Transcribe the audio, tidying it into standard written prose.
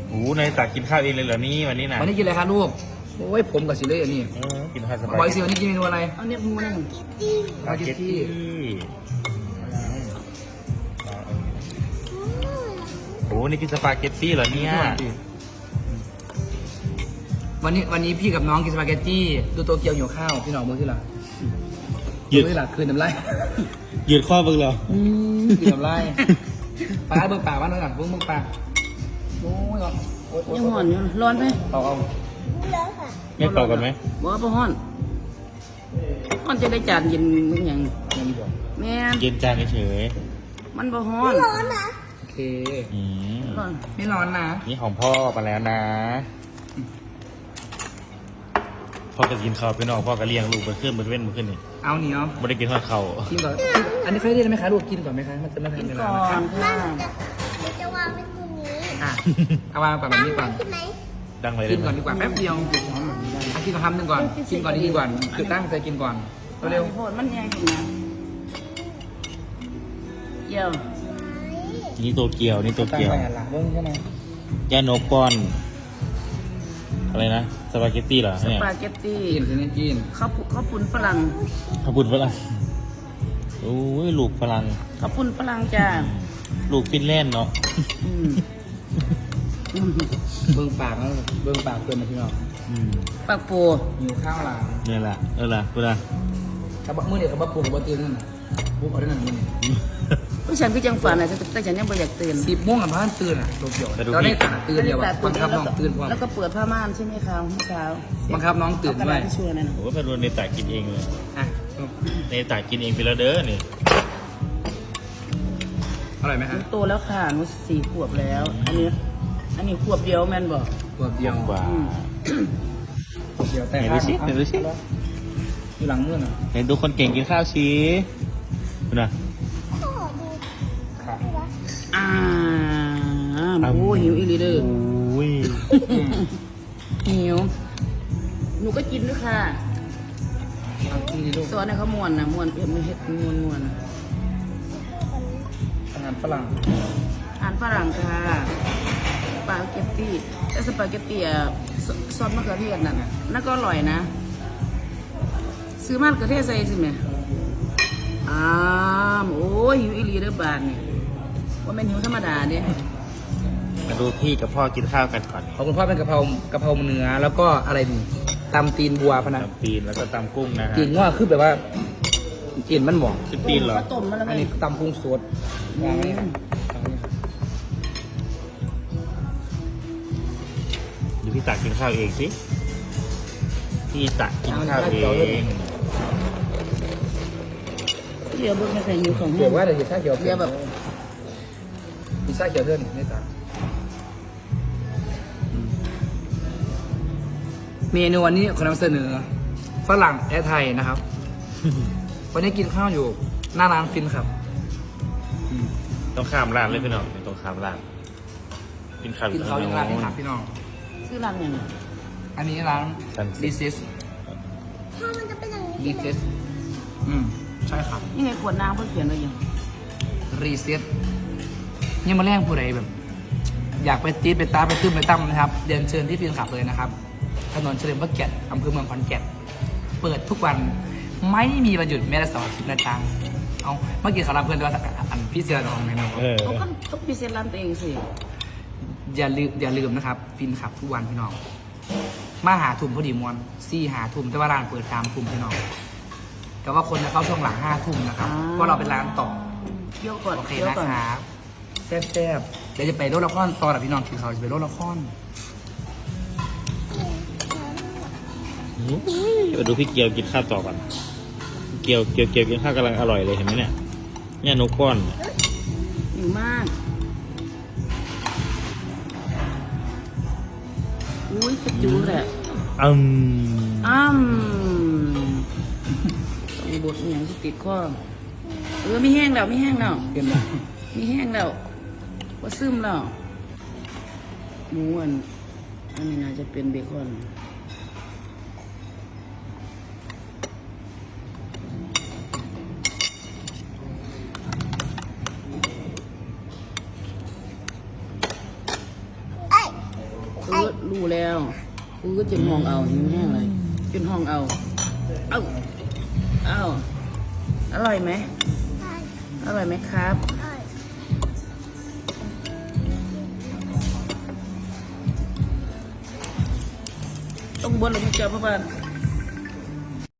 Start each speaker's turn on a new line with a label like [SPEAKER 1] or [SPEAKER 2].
[SPEAKER 1] โอ้ในตักกินข้าวเองเลยเหรอนี่วันนี้นะ
[SPEAKER 2] วันนี้กินอะไรคะลูกโอ้ยผมกับสิเลยอันนี้
[SPEAKER 1] กินข้าวสบาย
[SPEAKER 2] บอยสิวันนี้กินเมนูอะไร
[SPEAKER 3] เอาเนี่ยมึงมานั่ง
[SPEAKER 1] สปาเกตตี้โอ้นี่กินสปาเกตตี้เหรอเนี่ย
[SPEAKER 2] วันนี้พี่กับน้องกินสปาเกตตี้ดูโตเกียวหิวข้าวพี่น้องมือที่หลัง
[SPEAKER 1] ยืด
[SPEAKER 2] มือที่หลังคืนน้ำลาย
[SPEAKER 1] ยืดข้อบึงเหรอ
[SPEAKER 2] คืนน้ำลายปลาเบิกปากว่าน้อยหลังเบิ้งปากโอ้ยโอ้ย
[SPEAKER 3] ยังห่อนอยู่ร้อนไหม
[SPEAKER 2] เอา
[SPEAKER 1] ไม่เป่ากันไหม
[SPEAKER 3] บ่บ่ห่อนห่อนจะได้จานเย็นมึงอย่าง
[SPEAKER 2] อย่างนี้บอก
[SPEAKER 3] แม่น
[SPEAKER 1] เย็นจานเฉย
[SPEAKER 3] มันบ่ฮ้อน
[SPEAKER 2] โอเค
[SPEAKER 3] ร้อน
[SPEAKER 2] ไม่ร้อนนะ
[SPEAKER 1] นี่ของพ่อมาแล้วนะ พ่อก็กินข้าวไปนอกพ่อก็เลี้ยงลูกไปขึ้นมาเว้นมาขึ้นนี่
[SPEAKER 2] เอาเหนียว
[SPEAKER 1] ไม่ได้กินทอดเข่า
[SPEAKER 2] กินก่อนอันนี้เคยได้ไหมคะลูกกินก่อนไหมคะมันจะไม่ทั
[SPEAKER 3] กิ
[SPEAKER 2] น
[SPEAKER 3] น
[SPEAKER 2] เว
[SPEAKER 3] ก่
[SPEAKER 2] ลา
[SPEAKER 3] อ
[SPEAKER 2] นะคะ
[SPEAKER 3] นค่ะ
[SPEAKER 4] มันจะวางไว้ตรงนี้
[SPEAKER 2] อ่ะเอาวางก่อนแบบนี้ก่อน
[SPEAKER 4] ใช่ไหม
[SPEAKER 1] ดังเลย
[SPEAKER 2] กินก่อนดีกว่าแป๊บเดียวอ่ะกินคำหนึ่งก่อนกินก่อนดีๆก่อนคือตั้งใจกินก่อนเร็ว
[SPEAKER 3] โพดมันยังอยู่นะเกี่ยว
[SPEAKER 1] นี่ตัวเกียวนี่ตัว
[SPEAKER 2] ตั้ง
[SPEAKER 1] เกียว
[SPEAKER 2] ไปหันหลังเบิ้งใช่ไหม
[SPEAKER 1] ย่าโนกก้อนอะไรนะสปาเกตตี้เหรอ
[SPEAKER 3] ส
[SPEAKER 1] เนี่ย
[SPEAKER 3] ปาเกตตี้
[SPEAKER 2] กินคือกิน
[SPEAKER 3] ข้าวปุ้นฝรั่ง
[SPEAKER 1] ขอบคุณฝรั่งโอ้ยลูกฝรั่ง
[SPEAKER 3] ข้าวปุ้นฝรั่งจ้า
[SPEAKER 1] ลูกฟินแลนด์เนาะ
[SPEAKER 3] อืมอืม
[SPEAKER 2] เบิ้งปากแล้วเบิ้งปากเกินนะพี่น้อง
[SPEAKER 3] ปากโป
[SPEAKER 2] หิวข้าวหลัง
[SPEAKER 1] เนี่ยแหละล่ะพูดละ
[SPEAKER 2] กับมื้อเดียวกับบักปูกับบักตื่นนั่นน่ะบุ๊กเอาได้นั่นมื้อนี้
[SPEAKER 3] ผู้ฉันคือจังฝันนะแต่ฉันยังไม่อยากตื่น
[SPEAKER 2] 10 โมงกับพ่านตื่นอ่ะโตเกียวเราได้ตื่นเดียวอะบังคับน้องตื่นพร้อม
[SPEAKER 3] แล้วก็เปิดผ้าม่านใช่ไหมคะเมื่อเช้า
[SPEAKER 2] บังคับน้องตื่น
[SPEAKER 3] เอากระ
[SPEAKER 2] ด้ว
[SPEAKER 3] ดาย ษที่ช่วยนั่นนะ
[SPEAKER 1] โอ้เป็นวันในตากินเองเลย
[SPEAKER 2] อ่ะ
[SPEAKER 1] ในตากินเองไปแล้วเด้อนี่
[SPEAKER 2] อร่อยไหม
[SPEAKER 3] ห
[SPEAKER 2] ฮะ
[SPEAKER 3] นูโตแล้วค่ะหนู4 ขวบแล้ว อันนี้ขวบเดียวแม่นบอก
[SPEAKER 2] ขวบเดียว
[SPEAKER 1] กว่า
[SPEAKER 2] ขวบเดียวแต่
[SPEAKER 1] ไหนดูสิไหนดูสิ
[SPEAKER 2] อยู่หลังมื้อน่ะ
[SPEAKER 1] เห็นดูคนเก่งกินข้าวชี้ดูนะ
[SPEAKER 4] ขอดู
[SPEAKER 2] ค่ะ
[SPEAKER 3] อ่าโอ้หิวอีหลีเด้อ
[SPEAKER 1] โอ้ย
[SPEAKER 3] หิวหนูก็กินด้วยค่ะ
[SPEAKER 2] เอากินดิลูก
[SPEAKER 3] ซอสเนี่ยเขาม้วนนะม้วนเผ็ดไม่เผ็ดม้วน
[SPEAKER 2] อาหารฝรั่ง
[SPEAKER 3] อาหารฝรั่งค่ะสปาเกตตี้แต่สปาเกตตี้อ่ะซอสมะเขือเทศนั่นน่ะนั่นก็อร่อยนะ ซื้อมะเขือเทศใส่สิแม่โอ้ยหิวอีหลีเด้อบานนี่ว่าเป็นหิวธรรมดาเด้
[SPEAKER 1] มาดูพี่กับพ่อกินข้าวกันก่อน
[SPEAKER 2] ขอบคุณพ่อเป็นกะเพราเนื้อแล้วก็อะไรนี่ตำตีนบัวพะนะ
[SPEAKER 1] ตำตีนแล้วก็ตำกุ้งนะฮะ
[SPEAKER 2] ตีนว่าคือแบบว่าเอ็นมันหมอง
[SPEAKER 1] ชื่อตีนเหรอ
[SPEAKER 3] ข้าวต้มมาแล้ว
[SPEAKER 2] อั
[SPEAKER 3] ไง
[SPEAKER 2] นนี้ตำพุงสดวางนี่
[SPEAKER 1] เดี๋ยวพี่ตักกินข้าวเองสิพี่ตักกินข้าวเอง
[SPEAKER 3] เดี๋ยวเบิกไม่ใส่หิวของ
[SPEAKER 2] เดี๋
[SPEAKER 3] แห้
[SPEAKER 2] ยว
[SPEAKER 3] ง
[SPEAKER 2] ว่าเดี๋ยวชาเขียว
[SPEAKER 3] เดี๋ยวแบบ
[SPEAKER 2] มีชาเขียวเพื่อนนี่ตาเมนูวันนี้ขอนำเสนอฝรั่งและไทยนะครับ วันนี้กินข้าวอยู่หน้าร้านฟินครับ
[SPEAKER 1] ต้องข้ามร้านเลยพี่น้องต้องข้ามร้านกินข้าว
[SPEAKER 2] กินข้าวยังร้านที่ถามพี่น้อง
[SPEAKER 3] ซื้อร้านยังไง
[SPEAKER 2] อันนี้ร้าน This is
[SPEAKER 4] ถ้ามันจะเป็นอย่างนี้
[SPEAKER 2] This is ใช่ครับ
[SPEAKER 3] ยังไงขวดน้ำเพิ่งเขียนไว้ยัง
[SPEAKER 2] Reset ยังมาแรงผู้ใดแบบ อยากไปตีดไปตาไปตื้มไปตั้มนะครับเรียนเชิญที่ฟินขับเลยนะครับถนนเฉลิมพระเกียรติอำเภอเมืองขอนแก่นเปิดทุกวันไม่มีวันหยุดแม้แต่เสาร์อาทิตย์นะจ๊ะเอาเมื่อกี้เขารับเพื่อนด้วยอันพี่เสือดองไหมนะ
[SPEAKER 3] เขาก็ต้องพิเศษร้านตัวเองสิ
[SPEAKER 2] อย่าลืมนะครับ ฟินขับทุกวันพี่น้องมาหาทุ่มพอดีมวนหาทุ่มแต่ว่าร้านเปิด3 ทุ่มพี่น้องแต่ว่าคนจะเข้าช่วงหลัง5 ทุ่มนะครับเพราะเราเป็นร้านต่อ
[SPEAKER 3] เกี่ยวก่อน
[SPEAKER 2] โอเค
[SPEAKER 3] เกี่ยว
[SPEAKER 2] นะ
[SPEAKER 3] ก่อน
[SPEAKER 2] ครับแซ่บๆเดี๋ยวจะไปโรดละครตอนกับพี่น้องคือเขาจะไปโรดละคร
[SPEAKER 1] มาดูพี่เกียวกินข้าวต่อก่อนเกียวกินข้าวกำลังอร่อยเลยเห็นไหมเนี่ยเนี่ยนกก้อน
[SPEAKER 3] หิวมากอุ้ยกระจูแหละต้องบดอย่างที่ติดข้อไม่แห้งแล้วไม่แห้งแล้ว
[SPEAKER 2] เต็มเลย
[SPEAKER 3] ไม่แห้งแล้วว่าซึมแล้วหมูอันนี้น่าจะเป็นเบคอนรู้แล้วกูก็จนห้องเอาหิวแห้งเลยจนห้องเอาเอ้าอร่อยไหม
[SPEAKER 4] ใช่
[SPEAKER 3] อร่อยไหมครับ
[SPEAKER 4] ใช่
[SPEAKER 3] ต้องบนเลยพี่เจ้าเพราะว่า